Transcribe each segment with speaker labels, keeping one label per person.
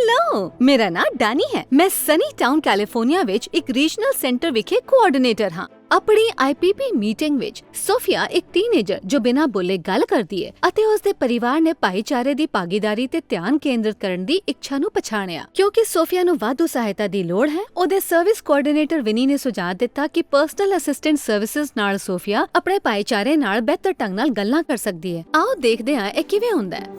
Speaker 1: Hello, मेरा नाम Danny है। मैं सनी टाउन कैलिफोर्निया विच एक रीजनल सेंटर विखे कोआर्डिनेटर हाँ। अपनी IPP मीटिंग विच सोफिया एक टीनेजर जो बिना बोले गल करदी है ਅਤੇ ਉਸਦੇ ਪਰਿਵਾਰ ਨੇ ਭਾਈਚਾਰੇ ਦੀ ਭਾਗੀਦਾਰੀ ਤੇ ਧਿਆਨ ਕੇਂਦਰਿਤ ਕਰਨ ਦੀ ਇੱਛਾ ਨੂੰ ਪਛਾਣਿਆ। ਕਿਉਂਕਿ ਸੋਫੀਆ ਨੂੰ ਵਾਧੂ ਸਹਾਇਤਾ ਦੀ ਲੋੜ ਹੈ, ਉਹਦੇ ਸਰਵਿਸ ਕੋਆਰਡੀਨੇਟਰ ਵਿਨੀ ਨੇ ਸੁਝਾਅ ਦਿੱਤਾ ਕਿ ਪਰਸਨਲ ਅਸਿਸਟੈਂਟ ਸਰਵਿਸਿਜ਼ ਨਾਲ ਸੋਫੀਆ ਆਪਣੇ ਭਾਈਚਾਰੇ ਨਾਲ ਬਿਹਤਰ ਢੰਗ ਨਾਲ ਗੱਲਾਂ ਕਰ ਸਕਦੀ ਹੈ। ਆਓ ਦੇਖਦੇ ਹਾਂ ਇਹ ਕਿਵੇਂ ਹੁੰਦਾ ਹੈ।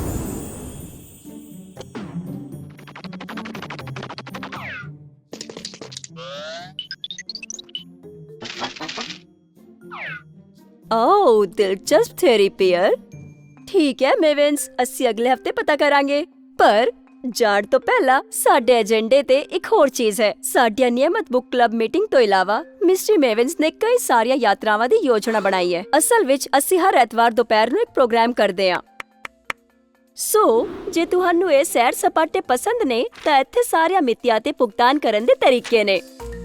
Speaker 2: ਓ ਦਿਲਚਸਪ ਥਿਊਰੀ ਪੀਅਰ। ਠੀਕ ਹੈ ਮੇਵਿੰਸ, ਅਸੀਂ ਅਗਲੇ ਹਫਤੇ ਪਤਾ ਕਰਾਂਗੇ। ਪਰ ਜਾਣ ਤੋਂ ਪਹਿਲਾਂ ਸਾਡੇ ਏਜੰਡੇ ਤੇ ਇੱਕ ਹੋਰ ਚੀਜ਼ ਹੈ। ਸਾਡੀਆਂ ਨਿਯਮਤ ਬੁੱਕ ਕਲੱਬ ਮੀਟਿੰਗ ਤੋਂ ਇਲਾਵਾ ਮਿਸਟਰੀ ਮੇਵਿੰਸ ਨੇ ਕਈ ਸਾਰੀਆਂ ਯਾਤਰਾਵਾਂ ਦੀ ਯੋਜਨਾ ਬਣਾਈ ਹੈ। ਅਸਲ ਵਿੱਚ ਅਸੀਂ ਹਰ ਐਤਵਾਰ ਦੁਪਹਿਰ ਨੂੰ ਇੱਕ ਪ੍ਰੋਗਰਾਮ ਕਰਦੇ ਹਾਂ। ਸੋ ਜੇ ਤੁਹਾਨੂੰ ਇਹ ਸੈਰ ਸਪਾਟੇ ਪਸੰਦ ਨੇ ਤਾਂ ਇੱਥੇ ਸਾਰੀਆਂ ਮਿਤੀਆਂ ਤੇ ਭੁਗਤਾਨ ਕਰਨ ਦੇ ਤਰੀਕੇ ਨੇ।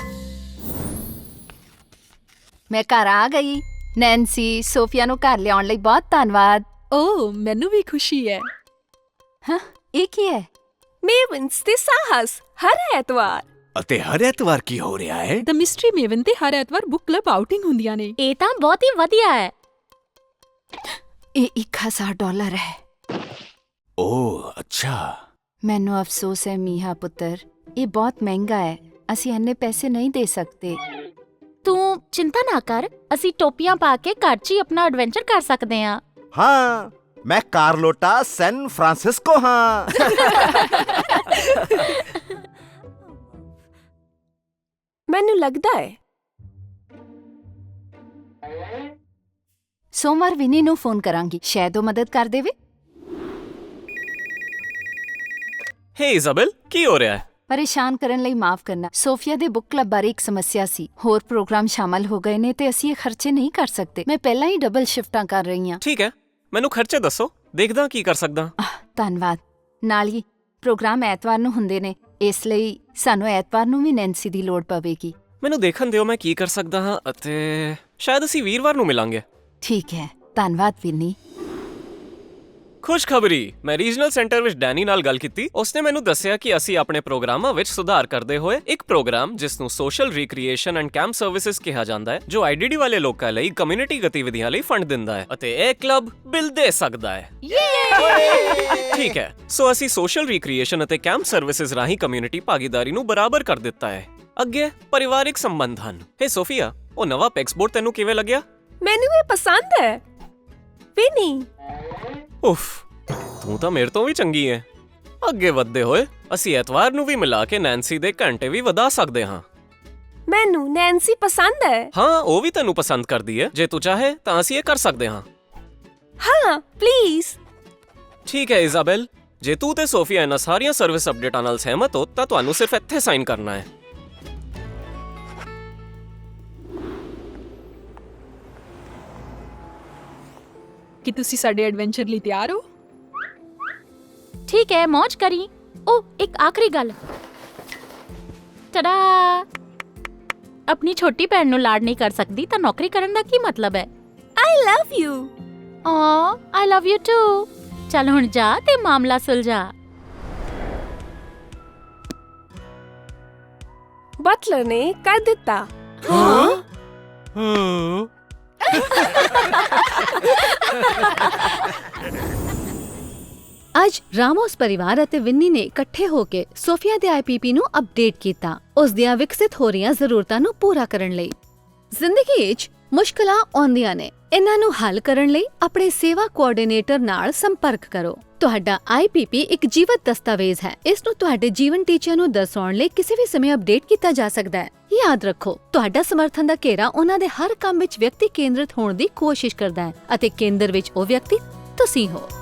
Speaker 3: ਮੈਂ ਘਰ ਆ ਗਈ। ਨੈਂਸੀ, ਸੋਫੀਆ ਨੂੰ ਘਰ ਲਿਆਉਣ ਲਈ ਬਹੁਤ ਧੰਨਵਾਦ।
Speaker 4: ਓ ਮੈਨੂੰ ਵੀ ਖੁਸ਼ੀ ਹੈ।
Speaker 3: ਹਾਂ, ਇਹ ਕੀ ਹੈ?
Speaker 2: ਮੇਵਿੰਸ ਤੇ ਸਾਹਸ ਹਰ ਐਤਵਾਰ।
Speaker 5: ਅਤੇ ਹਰ ਐਤਵਾਰ ਕੀ ਹੋ ਰਿਹਾ ਹੈ?
Speaker 4: ਦ ਮਿਸਟਰੀ ਮੇਵਨ ਤੇ ਹਰ ਐਤਵਾਰ ਬੁੱਕ ਕਲੱਬ ਆਊਟਿੰਗ ਹੁੰਦੀਆਂ ਨੇ।
Speaker 3: ਇਹ ਤਾਂ ਬਹੁਤ ਹੀ ਵਧੀਆ ਹੈ। ਇਹ $1000 ਹੈ।
Speaker 5: ਓਹ ਅੱਛਾ।
Speaker 3: ਮੈਨੂੰ ਅਫਸੋਸ ਹੈ ਮੀਹਾ ਪੁੱਤਰ, ਇਹ ਬਹੁਤ ਮਹਿੰਗਾ ਹੈ। ਅਸੀਂ ਇੰਨੇ ਪੈਸੇ ਨਹੀਂ ਦੇ ਸਕਦੇ।
Speaker 6: ਤੂੰ ਚਿੰਤਾ ਨਾ ਕਰ, ਅਸੀਂ ਟੋਪੀਆਂ ਪਾ ਕੇ ਘਰ 'ਚ ਹੀ ਆਪਣਾ ਐਡਵੈਂਚਰ ਕਰ ਸਕਦੇ ਹਾਂ।
Speaker 7: हाँ, मैं कार्लोटा सैन फ्रांसिस्को हाँ।
Speaker 2: ਮੈਨੂੰ ਲੱਗਦਾ ਹੈ
Speaker 3: ਸੋਮਵਾਰ ਵਿਨੀ ਨੂੰ ਫੋਨ ਕਰਾਂਗੀ, ਸ਼ਾਇਦ ਉਹ ਮਦਦ ਕਰ ਦੇਵੇ।
Speaker 8: ਹੇ ਇਜ਼ਾਬੈਲ, ਕੀ ਹੋ ਰਿਹਾ ਹੈ?
Speaker 3: ਪਰੇਸ਼ਾਨ ਕਰਨ ਲਈ ਮਾਫ ਕਰਨਾ। ਸੋਫੀਆ ਦੇ ਬੁੱਕ ਕਲੱਬ ਬਾਰੇ ਇੱਕ ਸਮੱਸਿਆ ਸੀ। ਹੋਰ ਪ੍ਰੋਗਰਾਮ ਸ਼ਾਮਲ ਹੋ ਗਏ ਨੇ ਤੇ ਅਸੀਂ ਇਹ ਖਰਚੇ ਨਹੀਂ ਕਰ ਸਕਦੇ। ਮੈਂ ਪਹਿਲਾਂ ਹੀ ਡਬਲ ਸ਼ਿਫਟਾਂ ਕਰ ਰਹੀ ਹਾਂ।
Speaker 8: ਠੀਕ ਹੈ, ਮੈਨੂੰ ਖਰਚੇ ਦੱਸੋ, ਦੇਖਦਾ ਕੀ ਕਰ ਸਕਦਾ।
Speaker 3: ਧੰਨਵਾਦ। ਨਾਲ ਹੀ ਪ੍ਰੋਗਰਾਮ ਐਤਵਾਰ ਨੂੰ ਹੁੰਦੇ ਨੇ, ਇਸ ਲਈ ਸਾਨੂੰ ਐਤਵਾਰ ਨੂੰ ਵੀ ਨੈਂਸੀ ਦੀ ਲੋੜ ਪਵੇਗੀ।
Speaker 8: ਮੈਨੂੰ ਦੇਖਣ ਦਿਓ ਮੈਂ ਕੀ ਕਰ ਸਕਦਾ ਹਾਂ ਅਤੇ ਸ਼ਾਇਦ ਅਸੀਂ ਵੀਰਵਾਰ ਨੂੰ ਮਿਲਾਂਗੇ।
Speaker 3: ਠੀਕ ਹੈ, ਧੰਨਵਾਦ ਵਿਨੀ।
Speaker 8: ਖੁਸ਼ਖਬਰੀ, ਮੈਂ ਰੀਜਨਲ ਸੈਂਟਰ ਵਿੱਚ ਡੈਨੀ ਨਾਲ ਗੱਲ ਕੀਤੀ। ਉਸਨੇ ਮੈਨੂੰ ਦੱਸਿਆ ਕਿ ਅਸੀਂ ਆਪਣੇ ਪ੍ਰੋਗਰਾਮਾਂ ਵਿੱਚ ਸੁਧਾਰ ਕਰਦੇ ਹੋਏ ਇੱਕ ਪ੍ਰੋਗਰਾਮ ਜਿਸ ਨੂੰ social recreation and camp services ਕਿਹਾ ਜਾਂਦਾ ਹੈ, ਜੋ IDD ਵਾਲੇ ਲੋਕਾਂ ਲਈ ਕਮਿਊਨਿਟੀ ਗਤੀਵਿਧੀਆਂ ਲਈ ਫੰਡ ਦਿੰਦਾ ਹੈ ਅਤੇ ਇਹ ਕਲੱਬ ਬਿੱਲ ਦੇ ਸਕਦਾ ਹੈ। ਠੀਕ ਹੈ, ਸੋ ਅਸੀਂ ਸੋਸ਼ਲ ਰੀਕ੍ਰੀਏਸ਼ਨ ਅਤੇ ਕੈਂਪ ਸਰਵਿਸਿਜ਼ ਰਾਹੀਂ ਕਮਿਊਨਿਟੀ ਭਾਗੀਦਾਰੀ ਨੂੰ ਬਰਾਬਰ ਕਰ ਦਿੱਤਾ ਹੈ। ਅੱਗੇ ਪਰਿਵਾਰਿਕ ਸੰਬੰਧ ਹਨ। ਹੇ ਸੋਫੀਆ, ਉਹ ਨਵਾਂ ਪੈਕਸਬੋਰਡ ਤੈਨੂੰ ਕਿਵੇਂ ਲੱਗਿਆ?
Speaker 2: ਮੈਨੂੰ ਇਹ ਪਸੰਦ ਹੈ। ਵਿਨੀ,
Speaker 8: ਉਫ, ਤੂੰ ਤਾਂ ਮੇਰੇ ਤੋਂ ਵੀ ਚੰਗੀ ਹੈ। ਅੱਗੇ ਵਧਦੇ ਹੋਏ ਅਸੀਂ ਐਤਵਾਰ ਨੂੰ ਵੀ ਮਿਲਾ ਕੇ ਨੈਂਸੀ ਦੇ ਘੰਟੇ ਵੀ ਵਧਾ ਸਕਦੇ ਹਾਂ।
Speaker 2: ਮੈਨੂੰ ਨੈਂਸੀ ਪਸੰਦ ਹੈ।
Speaker 8: ਹਾਂ, ਉਹ ਵੀ ਤੈਨੂੰ ਪਸੰਦ ਕਰਦੀ ਹੈ। ਜੇ ਤੂੰ ਚਾਹੇ ਤਾਂ ਅਸੀਂ ਇਹ ਕਰ ਸਕਦੇ ਹਾਂ।
Speaker 2: ਹਾਂ, ਪਲੀਜ਼।
Speaker 8: ਠੀਕ ਹੈ ਇਜ਼ਾਬੈਲ, ਜੇ ਤੂੰ ਤੇ ਸੋਫੀਆ ਇਹਨਾਂ ਸਾਰੀਆਂ ਸਰਵਿਸ ਅਪਡੇਟਾਂ ਨਾਲ ਸਹਿਮਤ ਹੋ ਤਾਂ ਤੁਹਾਨੂੰ ਸਿਰਫ ਇੱਥੇ ਸਾਈਨ ਕਰਨਾ ਹੈ।
Speaker 4: ਕੀ ਤੁਸੀਂ ਸਾਡੇ ਐਡਵੈਂਚਰ ਲਈ ਤਿਆਰ ਹੋ?
Speaker 6: ਠੀਕ ਹੈ, ਮौज ਕਰੀ। ਓ ਇੱਕ ਆਖਰੀ ਗੱਲ, ਟਡਾ, ਆਪਣੀ ਛੋਟੀ ਭੈਣ ਨੂੰ ਲਾਡ ਨਹੀਂ ਕਰ ਸਕਦੀ ਤਾਂ ਨੌਕਰੀ ਕਰਨ ਦਾ ਕੀ ਮਤਲਬ ਹੈ?
Speaker 2: I love you.
Speaker 6: Oh I love you too. ਚੱਲ ਹੁਣ ਜਾ ਤੇ ਮਾਮਲਾ ਸੁਲਝਾ।
Speaker 2: ਬਟਲਰ ਨੇ ਕਰ ਦਿੱਤਾ।
Speaker 1: ਅੱਜ ਰਾਮੋਸ ਪਰਿਵਾਰ ਅਤੇ ਵਿਨੀ ਨੇ ਇਕੱਠੇ ਹੋ ਕੇ ਸੋਫੀਆ ਦੇ IPP ਨੂੰ ਅਪਡੇਟ ਕੀਤਾ, ਉਸ ਦੀਆਂ ਵਿਕਸਿਤ ਹੋ ਰਹੀਆਂ ਜ਼ਰੂਰਤਾਂ ਨੂੰ ਪੂਰਾ ਕਰਨ ਲਈ। ਜ਼ਿੰਦਗੀ ਵਿੱਚ ਮੁਸ਼ਕਲਾਂ ਆਉਂਦੀਆਂ ਨੇ, ਇਹਨਾਂ ਨੂੰ ਹੱਲ ਕਰਨ ਲਈ ਆਪਣੇ ਸੇਵਾ ਕੋਆਰਡੀਨੇਟਰ ਨਾਲ ਸੰਪਰਕ ਕਰੋ। ਤੁਹਾਡਾ IPP ਇੱਕ ਜੀਵਤ ਦਸਤਾਵੇਜ਼ ਹੈ। ਇਸ ਨੂੰ ਤੁਹਾਡੇ ਜੀਵਨ ਟੀਚਿਆਂ ਨੂੰ ਦਰਸਾਉਣ ਲਈ ਕਿਸੇ ਵੀ ਸਮੇਂ ਅਪਡੇਟ ਕੀਤਾ ਜਾ ਸਕਦਾ ਹੈ। ਯਾਦ ਰੱਖੋ, ਤੁਹਾਡਾ ਸਮਰਥਨ ਦਾ ਘੇਰਾ ਉਹਨਾਂ ਦੇ ਹਰ ਕੰਮ ਵਿੱਚ ਵਿਅਕਤੀ ਕੇਂਦਰਿਤ ਹੋਣ ਦੀ ਕੋਸ਼ਿਸ਼ ਕਰਦਾ ਹੈ ਅਤੇ ਕੇਂਦਰ ਵਿੱਚ ਉਹ ਵਿਅਕਤੀ ਤੁਸੀਂ ਹੋ।